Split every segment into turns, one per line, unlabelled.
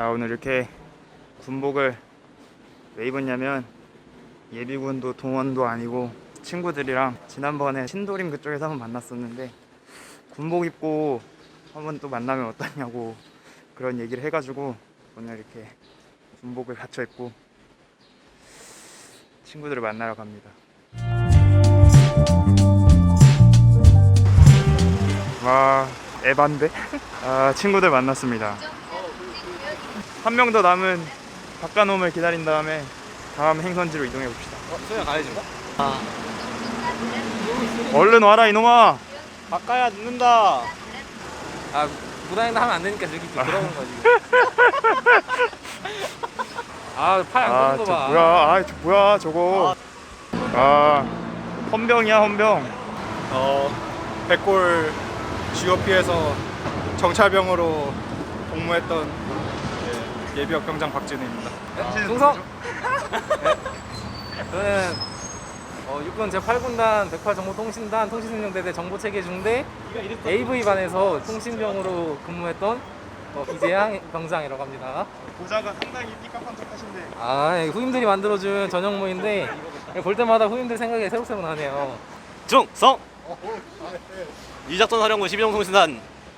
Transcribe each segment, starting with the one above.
자, 오늘 이렇게 군복을 왜 입었냐면 예비군도 동원도 아니고 친구들이랑 지난번에 신도림 그쪽에서 한번 만났었는데 군복 입고 한번 또 만나면 어떠냐고 그런 얘기를 해가지고 오늘 이렇게 군복을 갖춰 입고 친구들을 만나러 갑니다. 와, 에반데? 아, 친구들 만났습니다. 한 명 더 남은 박가놈을 기다린 다음에 다음 행선지로 이동해 봅시다.
소영 가야지.
얼른 와라 이놈아.
바꿔야 늦는다. 아, 무당이나 하면 안 되니까 저기 또 들어오는 거지. 아, 팔 안 끄는 거 봐.
뭐야? 저 뭐야 저거? 헌병이야 헌병.
백골 GOP에서 정찰병으로 복무했던 예비역 병장 박진우입니다.
충성. 저는 육군 제8군단 108정보통신단 통신운영대대 정보체계중대 AV반에서 통신병으로 근무했던 이재양 병장이라고 합니다.
보자가 상당히 띠까판 척하신데.
후임들이 만들어준 전형모인데 볼 때마다 후임들 생각이 새록새록 나네요.
중성 이작전 사령부 12정통신단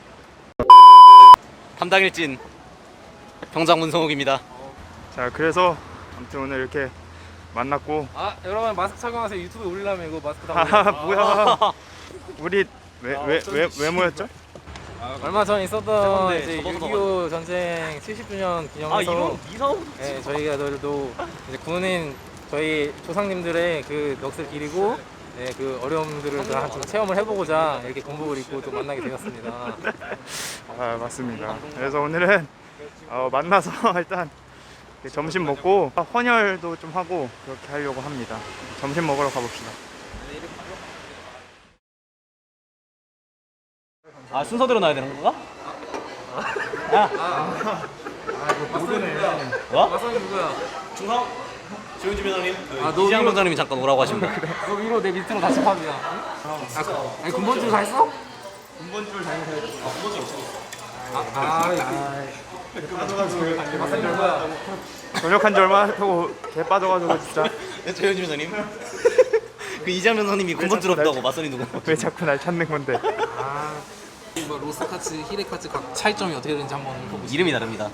담당일진 병장 문성욱입니다.
자, 그래서 아무튼 오늘 이렇게 만났고.
여러분 마스크 착용하세요. 유튜브에 올리려면 이거 마스크 다
뭐야? 우리 왜 모였죠?
얼마 전 있었던
네,
이제
저도
6.25 전쟁 70주년 기념해서 저희가도 이제 군인 저희 조상님들의 그 넋을 기리고 그 어려움들을 다 좀 체험을 해보고자 이렇게 군복을 입고 또 만나게 되었습니다.
맞습니다. 그래서 오늘은 만나서 일단 점심 먹고 헌혈도 좀 하고 그렇게 하려고 합니다. 점심 먹으러 가봅시다.
순서대로 나야 되는 건가?
마선이 누구야?
중성 조윤주 변호사님
너
이재양
위로-
변호사님이 잠깐 오라고 하십니다.
너 위로 내 밑으로 다시 팝이야. 군번줄 다 했어?
군번줄 잘못해야지.
마선이 누구야?
전역한 지 얼마 하고 개 빠져가지고 진짜.
조윤주 변호사님 그 이재양 변호사님이 군번줄 없다고 맞선이 누구?
왜 자꾸 날 찾는 건데?
뭐 로스카츠, 히레카츠 각 차이점이 어떻게 되는지 한번 보고
이름이 다릅니다.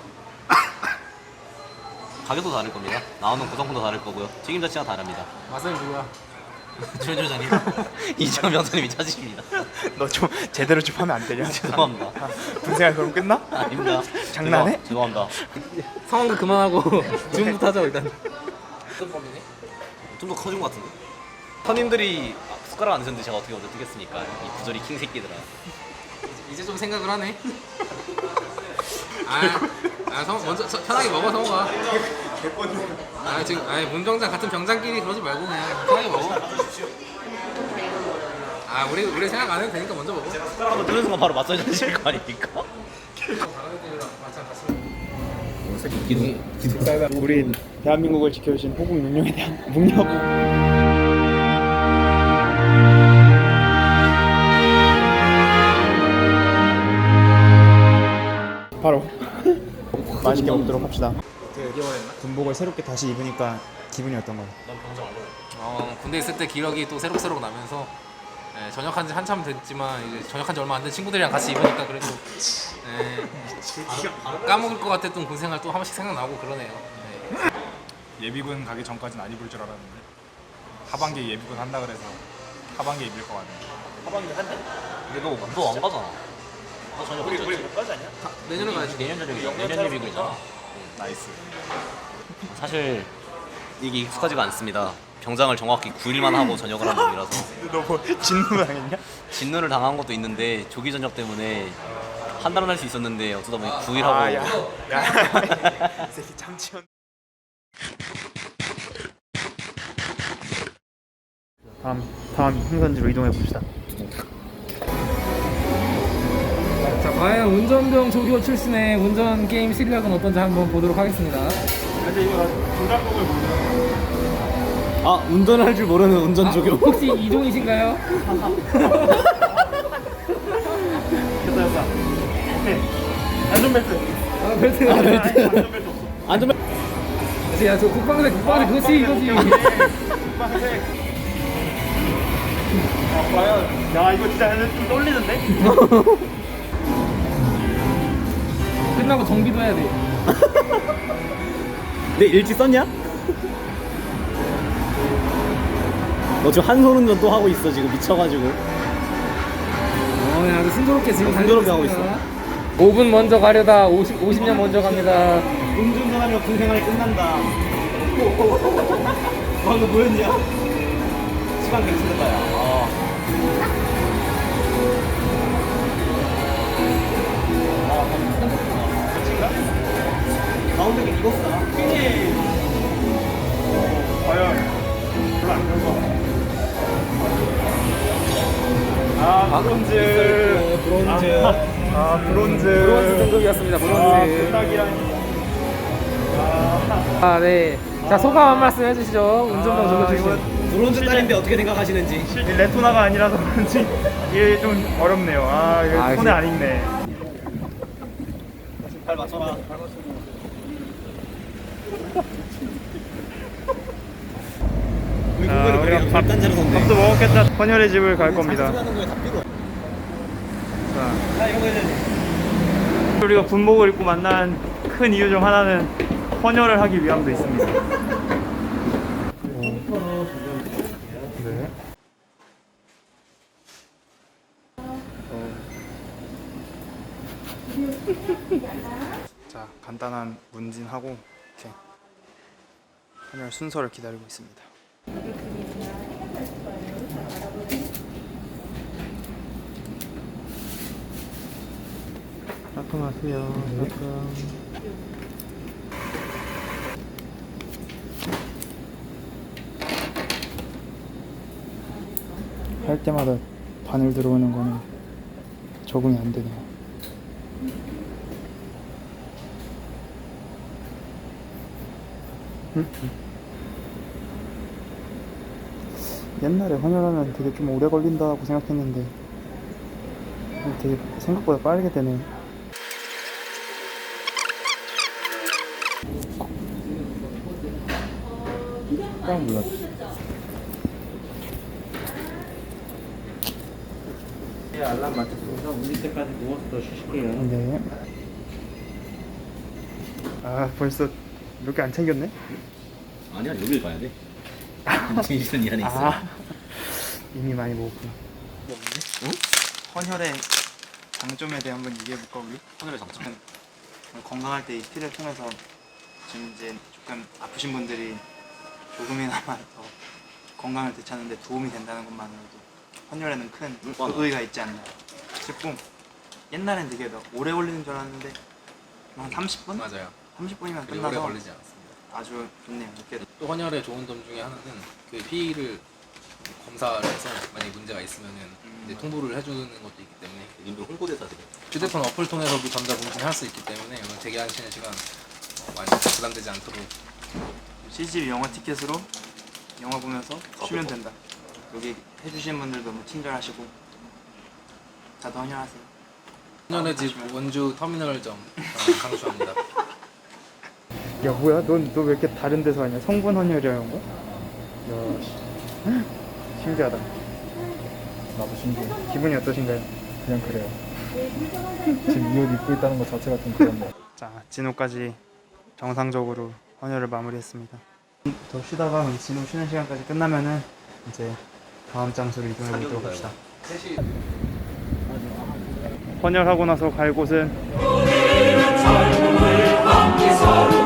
가격도 다를 겁니다. 나오는 구성품도 다를 거고요. 책임 자체가 다릅니다.
마선이 누구야?
조윤주 변호사님 이재양 변호사님이 찾으십니다.
너 좀 제대로 좀 하면 안 되냐?
죄송합니다.
군생활 그럼 끝나?
아닙니다.
장난해?
죄송합니다.
상황도 그만하고 주문부터 하자 일단.
좀 더 커진 것 같은데. 선임들이 숟가락 안 드셨는데 제가 어떻게 얻어뜨겠습니까? 이 부조리 킹 새끼들아.
이제 좀 생각을 하네. 먼저 편하게 먹어 성우가. 지금 문병장 같은 병장끼리 그러지 말고 그냥 편하게 먹어. 우리 생각 안 해도 되니까 먼저 먹어.
숟가락 한번 뜨는 순간 바로 맞서야 되실 거 아닙니까?
우리 대한민국을 지켜주신 호국 능력에 대한 묵념. 바로 맛있게 먹도록 합시다. 군복을 새롭게 다시 입으니까 기분이 어떤가요?
군대 있을 때 기억이 또 새록새록 나면서 전역한 지 한참 됐지만 이제 전역한 지 얼마 안 된 친구들이랑 같이 입으니까 그래도 까먹을 것 같았던 군 생활 또 한 번씩 생각나고 그러네요.
예비군 가기 전까지는 안 입을 줄 알았는데 하반기에 예비군 한다 그래서 하반기에 입을 것 같네요.
근데 너 안 가잖아. 너 전혀 우리 못 가지 않냐?
내년에 가야지.
내년 예비군이잖아.
나이스.
사실 이게 익숙하지가 않습니다. 병장을 정확히 9일만 하고 전역을 한 놈이라서
너 뭐 진노 당했냐?
진노를 당한 것도 있는데 조기 전역 때문에 한 달은 할 수 있었는데 어쩌다 보니 9일 하고
이 새끼 참치원. 다음 행선지로 이동해 봅시다.
자, 과연 운전병 조교 출신의 운전 게임 실력은 어떤지 한번 보도록 하겠습니다.
운전할 줄 모르는 운전 조교.
혹시 이종이신가요?
됐다. 안전벨트.
안전벨트.
야, 저 국방색 그거지 이거지.
과연 야 이거 진짜 좀 떨리는데?
끝나고 정비도 해야 돼.
내 일지 썼냐? 너 지금 한 손운전 또 하고 있어 지금 미쳐가지고.
야, 아주 순조롭게 지금
순조롭게 하고 있어.
5분 먼저 가려다 50년 먼저 갑니다.
음주운전하면 군 생활이 끝난다. 방금 뭐였냐? 시간 괜찮은 거야. 가운데 게 익었다.
과연 별로 안 좋은 아 브론즈.
브론즈.
브론즈.
브론즈 등급이었습니다. 브론즈.
부탁이라니.
네. 자, 소감 한 말씀 해주시죠. 운전병 적어주시죠.
브론즈 딸인데 어떻게 생각하시는지.
이 레토나가 아니라서 그런지 이게 좀 어렵네요. 아 이거 손에
그래.
안 익네.
발 맞춰라.
우리가
발단자로 섰네.
밥도 먹었겠다. 헌혈의 집을 갈 겁니다.
하는 거에 다 필요.
자,
야 이런 거 해야 돼.
우리가 군복을 입고 만난 큰 이유 중 하나는 헌혈을 하기 위함도 있습니다. 네. 자, 간단한 문진하고 이렇게 헌혈 순서를 기다리고 있습니다. 따끔하세요. 따끔. 할 때마다 바늘 들어오는 거는 적응이 안 되네요. 옛날에 헌혈하면 되게 좀 오래 걸린다고 생각했는데 되게 생각보다 빠르게 되네요. 딱 몰랐어.
알람 맞췄습니다. 울릴 때까지 누워서 더 쉬실게요.
네. 아 벌써 몇 개 안 챙겼네?
아니야 여길 가야 돼. 진실은 이 안에 있어.
아 이미 많이 먹었구나. 응? 헌혈의 장점에 대해 한번 얘기해볼까 우리?
하늘의 장점.
건강할 때 이 피를 통해서 지금 이제 조금 아프신 분들이 조금이나마 더 건강을 되찾는데 도움이 된다는 것만으로도 헌혈에는 큰 의의가 있지 않나 싶고, 옛날엔 되게 오래 걸리는 줄 알았는데 한 30분?
맞아요.
30분이면
그리 오래
끝나서
걸리지 않았습니다.
아주 좋네요. 이렇게
또 헌혈의 좋은 점 중에 하나는 그 피를 검사를 해서 만약 문제가 있으면은 이제 통보를 해주는 것도 있기 때문에
님도 홍보대사 되게.
휴대폰 어플 통해서도 전자공진할 수 있기 때문에 오늘 대기하시는 시간 많이 부담되지 않도록
CGV 영화 티켓으로 영화 보면서 쉬면 된다. 여기 해주신 분들 너무 친절하시고 다들 헌혈하세요.
헌혈의 집 원주 터미널점 강추합니다.
야 뭐야? 너 왜 이렇게 다른 데서 하냐? 성분 헌혈이라는 거야? 야 씨. 신기하다.
나도 신기해.
기분이 어떠신가요?
그냥 그래요. 지금 이 옷 입고 있다는 것 자체가 좀 그렇네.
자, 진호까지 정상적으로 헌혈을 마무리했습니다. 더 쉬다가 진호 쉬는 시간까지 끝나면은 이제 다음 장소로 이동해 보도록 합시다. 헌혈하고 나서 갈 곳은